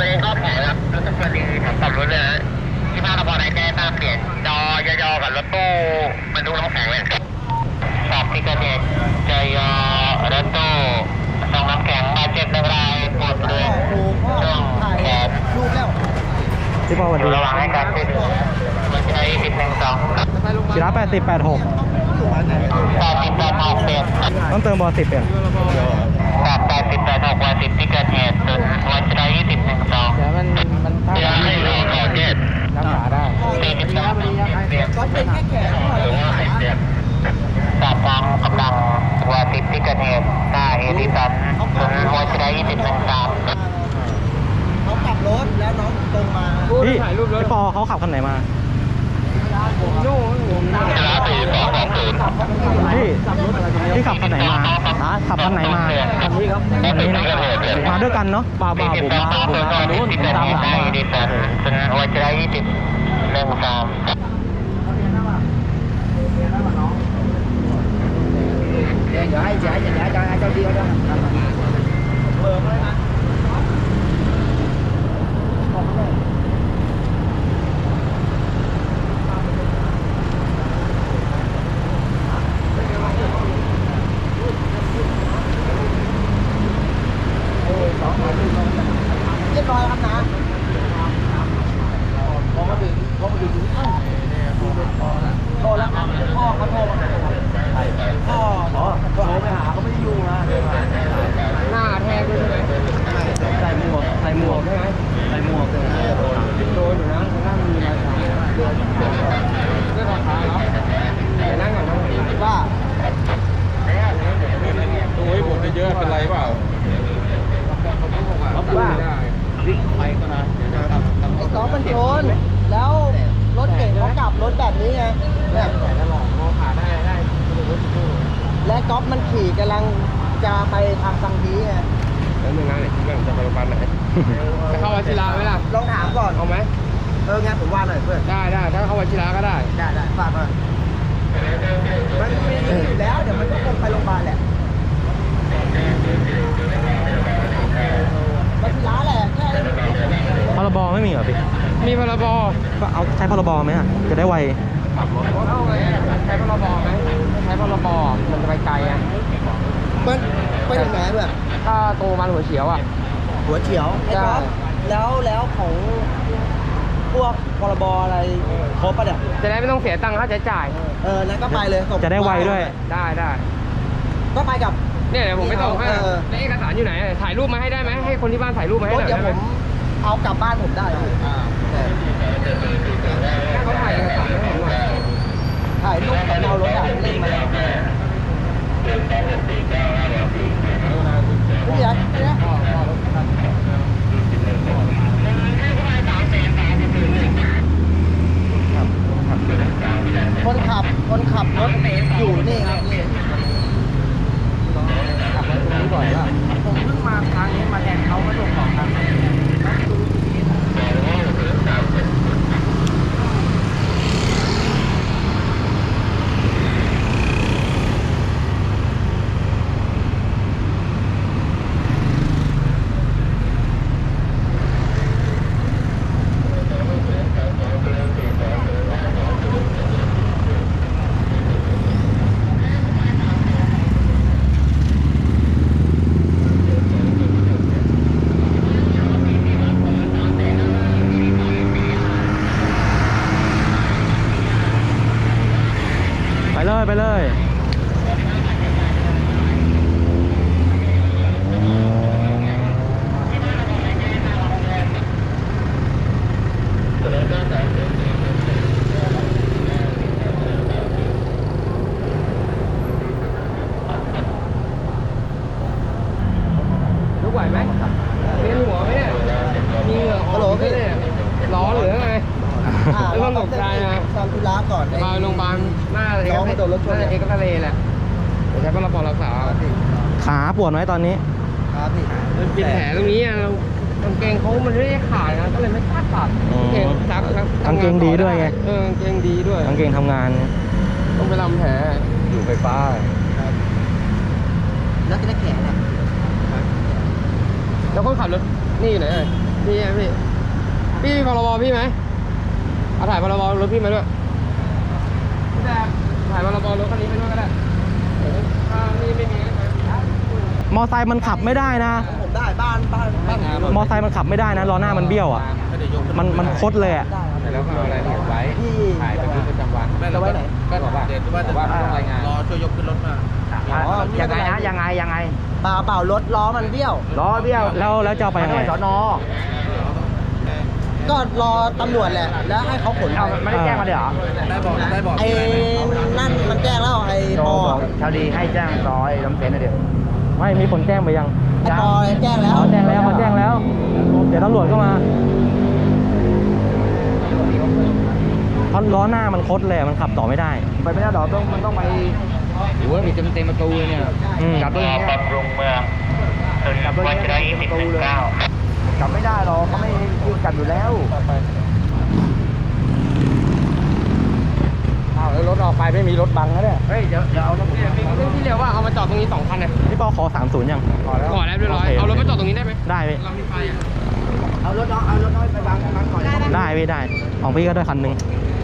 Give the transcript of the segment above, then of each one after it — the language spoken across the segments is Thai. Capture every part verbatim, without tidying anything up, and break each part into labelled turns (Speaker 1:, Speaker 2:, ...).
Speaker 1: ประเด็นก็แผลครับรถทุกคนดีผมขับรถเลยนะที่บ้านเราพอได้แจ้งตามเปลี่ยนจอยอๆกับรถตู้บรรทุกน้ำแข็งเลยสอบที่เกิดเหตุจอยอรถตู้ส่งน้ำแข็งบาดเจ็บหนึ่งรายปวดบริเวณช่วงแขน
Speaker 2: รูปแล้ว
Speaker 3: พี่พ่อสวัส
Speaker 1: อยู่
Speaker 3: ดี
Speaker 1: ระหว่างให้การช่วยเหลือมันใช้สิบหนึ่งสอง
Speaker 3: ชิระแปดสิบแปดหก
Speaker 1: แปดสิบแปดหกเปลี่ยน
Speaker 3: ต้องเติมบอสิบเปลี่ยน
Speaker 1: แปดแปดสิบแปดหกวันสิบที่เกิดเหตุส่วนวันใช้ยี่สิบหนึ่งสอง
Speaker 3: เดี๋ยวมันมันถ้า
Speaker 1: เดี๋ยวให้เราขอเจ็ด
Speaker 3: รักษาได้
Speaker 1: สี่สิบสามเปลี่ยน
Speaker 2: ก็เป็นแค่แขน
Speaker 1: หรือว่าสิบเจ็ดสามทางกำลังวันสิบที่เกิดเหตุหน้าเอทีสันส่วนวันใช้ยี่สิบหนึ่งสาม
Speaker 2: เขาขับรถแล้วน้องตรงมา
Speaker 3: พี่พี่ปอเขาขับคันไหนมา
Speaker 1: ชนะสี่สองสองศูนย์
Speaker 3: พี่พี่ขับคันไหนมาฮะขับคันไหนมาคันนี้ครับคันนี้นะมาด้วยกันเนาะบ่าบ่าผมมาผมมาคันนู้นผมตามหลังมา
Speaker 1: เอทีสันส่วนวันใช้ยี่สิบหนึ่งสาม
Speaker 2: เดี๋ยวให้เดี๋ยวให้เดี๋ยวให้เจ้าเดียวนะเบอร์เลยนะเรียบร้อยครับนะพอมาถึงพอมาถึงเอ้าโทรแล้วพ่อเขาโทรมาพ่อเหรอโทรไปหาเขาไม่ได้ยุ่งนะหน้าแทงด้วยใช่ไหมใส่หมวกใส่หมวกใช่ไหมใส่หมวกเลยโดนอยู่นะหน้ามีอะไรเดือดเรื่องราคาเนาะแต่นั่งก่อนนะว่า
Speaker 4: โอ้ยผมจะเยอะเป็นไรเปล่า
Speaker 2: ว่า
Speaker 4: วิ่งไปก็นะเดี๋ยวจะทำทำ
Speaker 2: ไอ้ก๊อฟมันชนแล้วรถเก่งเขากลับรถแบบนี้ไงเนี่ย
Speaker 4: แล้วหลอกมองขาได้ได้
Speaker 2: และก๊อฟมันขี่กำลังจะไปทางสังฮีไง
Speaker 4: แล้วหนึ่งงานเนี่ยคิดว่าจะไปโรงพยาบาลไหนจะเข้าวัชิระไหมล่ะ
Speaker 2: ลองถามก่อน
Speaker 4: เอาไหม
Speaker 2: เอองั้นผมว่าหน่อยเพื่อน
Speaker 4: ได้ได้ถ้าเข้าวัชิระก็ได้
Speaker 2: ได้ได้ฝากหน่อยมันมีอยู่แล้วเดี๋ยวมันก็คงไปโรงพยาบาลแหละมันร้านแหละแค่
Speaker 3: พรบไม่มีเหรอพี่
Speaker 4: มีพรบ
Speaker 3: ก็เอาใช้พรบไหมอ่ะจะได้ไว
Speaker 4: เข้าไงใช้พรบไหมใช้พรบมันจะไปไกลอ่ะ
Speaker 2: มันไปถึงไหนเพื่อน
Speaker 4: ถ้าโตมันหัวเฉียวอ่ะ
Speaker 2: หัวเฉียวไอ้ก๊อฟแล้วแล้วของพวกพรบอะไรครบปะเนี่ย
Speaker 4: จะได้ไม่ต้องเสียตังค่าใช้จ่าย
Speaker 2: เออนั้นก็ไปเลยส่ง
Speaker 3: จะได้ไวด้วย
Speaker 4: ได้ได้
Speaker 2: ก็ไปกับ
Speaker 4: เนี่ยเดี๋ยวผมไปส่งให้
Speaker 2: เออ
Speaker 4: แล้วเอกสารอยู่ไหนถ่ายรูปมาให้ได้ไหมให้คนที่บ้านถ่ายรูปมาให้
Speaker 2: ร
Speaker 4: ห
Speaker 2: ถ
Speaker 4: น่อย
Speaker 2: เดี๋ยว
Speaker 4: ได้
Speaker 2: ผ
Speaker 4: ไหม
Speaker 2: มเอากลับบ้านผมได้พี่อ่า
Speaker 4: ให้เขาถ่ายเอกสารให้ผมหน่อย
Speaker 2: ถ่ายรูปกับเรารถอ่ะเล่นมาแล้วพี่ยักษ์เนี่ยคนขับคนขับรถอยู่นี่ครับนี่ขับรถตรงนี้บ่อยว่าผมเพิ่งมาทางนี้มาแทนเขาก็ส่งของทาง
Speaker 3: ไปเลยไปเลย
Speaker 4: ลุกไหวไหมเวียนหัวไหมเนี่ยมีเหงื่อออกไหมเนี่ยร้อนหรือไง ไม่ต้องตกใจนะ
Speaker 2: ทำธุระก่อน
Speaker 4: มาโรงพยาบาลหน้าเอกน่าจะเอกทะเลแหละเดี๋ยวใช้พลปรักษา
Speaker 3: ขาปวดไหมตอนนี้
Speaker 2: ครับพี่
Speaker 4: มันเป็นแผลตรงนี้อ่ะกางเกงเขามันไม่ได้ขาดนะก็เลยไม่กล้าตัด
Speaker 3: อ๋อ
Speaker 4: กางเกงซักครับ
Speaker 3: กางเกงดีด้วยไง
Speaker 4: เออกางเกงดีด้วย
Speaker 3: กางเกงทำงาน
Speaker 4: ต้องไปทำแผลอยู่ไฟฟ้า
Speaker 2: แล้วจะได้แขนอ่ะ
Speaker 4: แล้วคนขับรถนี่อยู่ไหนอ่ะนี่ไงพี่พรบพี่ไหมเอาถ่ายพรบรถพี่มาด้วยถ่ายพรบรถคันนี้ไปด้วยก็ได้ถ้านี่ไม่มี
Speaker 3: มอไซค์มันขับไม่ได้นะ
Speaker 2: ผมได้บ้านบ้านบ้าน
Speaker 3: มอไซค์มันขับไม่ได้นะล้อหน้ามันเบี้ยวอ่ะมันมันคดเลยอ่ะ
Speaker 4: แล้วก็เอารายละเอียดไว้ถ่ายบันทึกประจำวัน
Speaker 2: จะไว้ไหน
Speaker 4: ก็บอกว่าเดี๋ยวว่าจะรายงานรอช่วยยกขึ้นรถมา
Speaker 2: ยังไงนะยังไงยังไงเปล่าเปล่ารถล้อมันเบี้ยวล้อเบี้ยว
Speaker 3: แล้วแล้วจะเอาไปยังไง
Speaker 2: สนก็รอตำรวจแหละแล้วให้เขาขนไป
Speaker 3: ไม่ได้แจ้งมาเลยเหรอ
Speaker 4: ได้บอกได้บอก
Speaker 2: ไอ้นั่นมันแจ้งแล้วไอ้ปอ
Speaker 3: ชาวดีให้แจ้งร้อยลำเซ็นเดียวไม่มีคนแจ้งไปยัง
Speaker 2: ไอ้ปอแจ้งแล้ว
Speaker 3: เขาแจ้งแล้วเขาแจ้งแล้ว เดี๋ยวตำรวจก็มาเพราะล้อหน้ามันคดเลยมันขับต่อไม่ได้
Speaker 2: ไปไม่ได้หรอกต้องมันต้องไป
Speaker 4: หรือว่ามีเต็มเต็มประตูเลยเนี่ย
Speaker 3: อืม
Speaker 4: จับด้วยอย่างเงี้ย
Speaker 1: บำรุงเมืองถนนวัชระยี่สิบถึงเก้า
Speaker 2: กลับไม่ได้หรอกเขาไม่ยืนกันอยู่แล้ว
Speaker 4: อ้าวแล้วรถออกไปไม่มีรถบังนะเนี่ย เฮ้ย เดี๋ยวเดี๋ยวเอารถที่เรียกว่าเอามาจอดตรงนี้สองคันนะ
Speaker 3: พี่ปอขอสามศูนย์ยัง
Speaker 4: ขอแล้วขอแล้วเรียบร้อย เอารถมาจอดตรงนี้ได้ไหม
Speaker 3: ได้พี่
Speaker 4: เรามีไฟอ่ะ
Speaker 2: เอารถน้องเอารถน้อยไปบังบังก่อน
Speaker 3: ได้พี่ได้ ของพี่ก็ได้คันหนึ่ง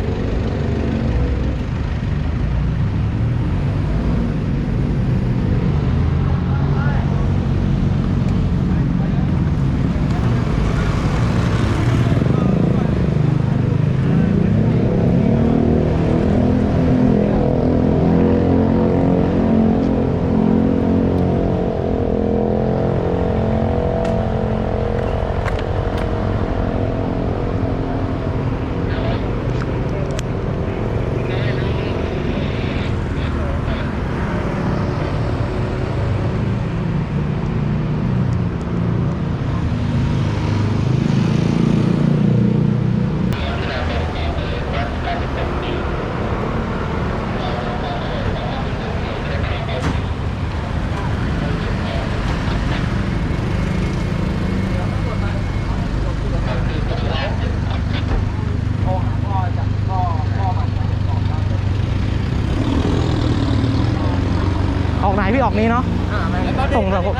Speaker 3: ออกไหนพี่ออกนี้เนาะส่งสังคม
Speaker 2: บอ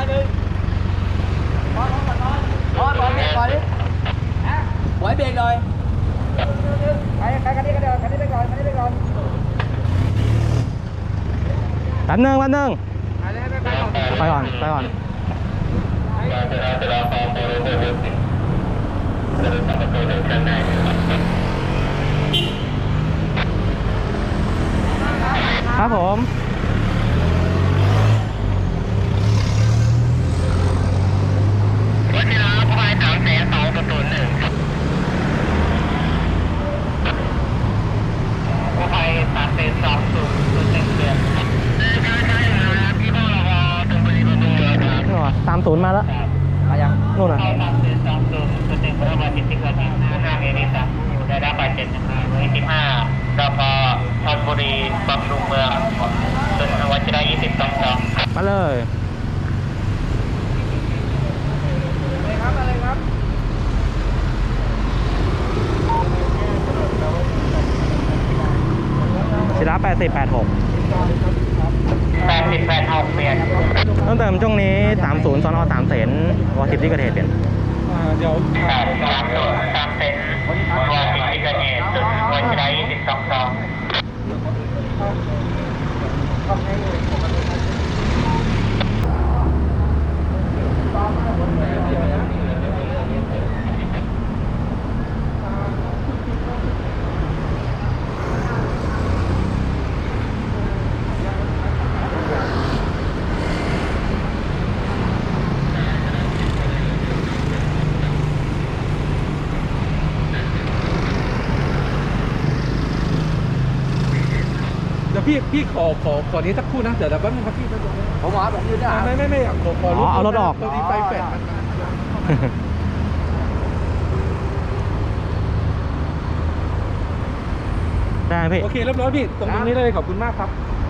Speaker 2: สบอสเบรกก่อนดิบอยเบรกหน่อยไปไปกันนี้กันเดี๋ยวกันนี้ไปก่อนกันนี้ไปก่อน
Speaker 3: แป๊บนึงแป๊บนึงไปก่อนไปก่อนครับผม
Speaker 1: วัชระพายสามแสนสองศูนย์หนึ่งผู้ภัยสามแสนสองศูนย์ศูนย์หนึ่งเดือนใช่ใช่ครับพี่พ่อเราตรงบริเวณตรงนี้ครับ
Speaker 3: นู่นสามศูนย์มาแล้ว
Speaker 2: มายัง
Speaker 3: นู่นน่ะ
Speaker 1: สามแสนสองศูนย์ศูนย์หนึ่งเมื่อวันที่สิบเอ็ดที่ห้าเมษายนอยู่ได้รับบาดเจ็บนะครับวันที่สิบห้ารพธนบุรีบำรุงเมืองถนนวัชระยี่สิบสองสอง
Speaker 3: มาเลย
Speaker 2: ครับอะไรครับ
Speaker 3: ชิระแปดสิบแปดหก
Speaker 1: แปดสิบแปดหกเปลี่ยน
Speaker 3: ต้องเติมช่วงนี้สามศูนย์สนสามเสนวอสิบที่เกิดเหตุเปลี่ยน
Speaker 4: เดี๋ยว
Speaker 1: แปดสามศูนย์สามเซนวอสิบที่เกิดเหตุถนนวัชระยี่สิบสองสอง
Speaker 4: เดี๋ยวพี่พี่ขอขอขอนี้สักครู่นะ เดี๋ยวเดี๋ยวแป๊บนึงครับพี่แป๊บนึง
Speaker 2: ผมว่าผมยืนได้
Speaker 4: ไม่ไม่ไม่ขอขอ
Speaker 3: อ๋อเอารถออก
Speaker 4: พอดีไฟแฟลชมัน
Speaker 3: ได้ไหมพี่
Speaker 4: โอเคเรียบร้อยพี่ตรงตรงนี้เลยขอบคุณมากครับ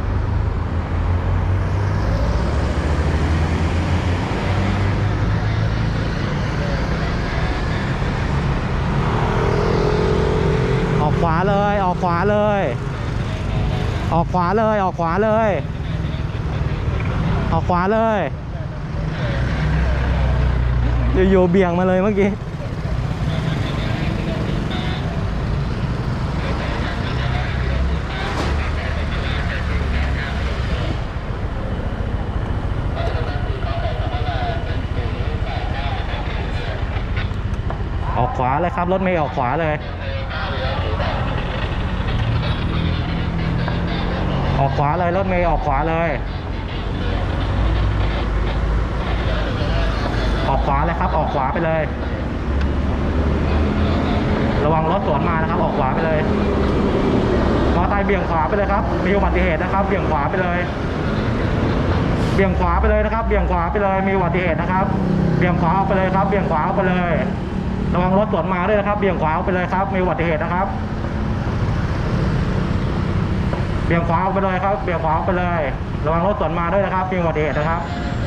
Speaker 3: ออกขวาเลยออกขวาเลย ออกขวาเลยออกขวาเลย ออกขวาเลยอยู่ๆเบี่ยงมาเลยเมื่อกี้อกขวาเลยครับรถเมย์ออกขวาเลยออกขวาเลยรถเมย์ออกขวาเลยออกขวาเลยครับออกขวาไปเลยระวังรถสวนมานะครับออกขวาไปเลยมอเตอร์ไซค์เบี่ยงขวาไปเลยครับมีอุบัติเหตุนะครับเบี่ยงขวาไปเลยเบี่ยงขวาไปเลยนะครับเบี่ยงขวาไปเลยมีอุบัติเหตุนะครับเบี่ยงขวาออกไปเลยครับเบี่ยงขวาออกไปเลยระวังรถสวนมาด้วยนะครับเบี่ยงขวาออกไปเลยครับมีอุบัติเหตุนะครับเบี่ยงขวาออกไปเลยครับเบี่ยงขวาออกไปเลยระวังรถสวนมาด้วยนะครับมีอุบัติเหตุนะครับ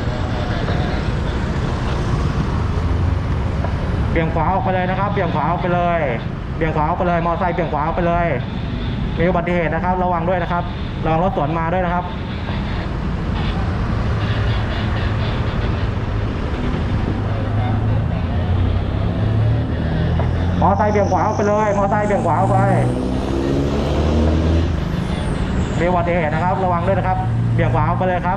Speaker 3: เบี่ยงขวาออกไปเลยนะครับเบี่ยงขวาออกไปเลยเบี่ยงขวาออกไปเลยมอเตอร์ไซค์เบี่ยงขวาออกไปเลยมีอุบัติเหตุนะครับระวังด้วยนะครับระวังรถสวนมาด้วยนะครับมอเตอร์ไซค์เบี่ยงขวาออกไปเลยมอเตอร์ไซค์เบี่ยงขวาออกไปมีอุบัติเหตุนะครับระวังด้วยนะครับเบี่ยงขวาออกไปเลยครับ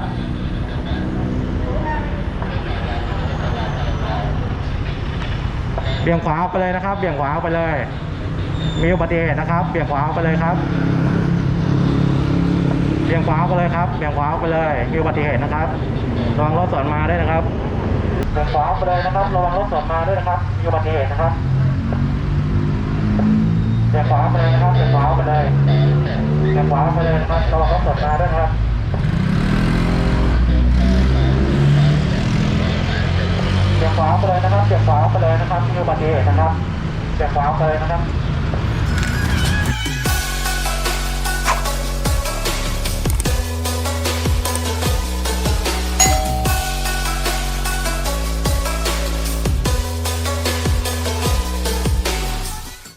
Speaker 3: เบี่ยงขวาออกไปเลยนะครับเบี่ยงขวาออกไปเลยมีอุบัติเหตุนะครับเบี่ยงขวาออกไปเลยครับเบี่ยงขวาออกไปเลยครับเบี่ยงขวาออกไปเลยมีอุบัติเหตุนะครับระวังรถสวนมาด้วยนะครับเบี่ยงขวาออกไปเลยนะครับระวังรถสวนมาด้วยนะครับมีอุบัติเหตุนะครับเบี่ยงขวาออกไปเลยนะครับเบี่ยงขวาออกไปเลยเบี่ยงขวาออกไปเลยนะครับระวังรถสวนมาด้วยนะครับเบี่ยงขวาออกไปเลยนะครับเบี่ยงขวาออกไปเลยนะครับมีอุบัติเหตุนะครับเบี่ยงขวาออกไปเลยนะครับ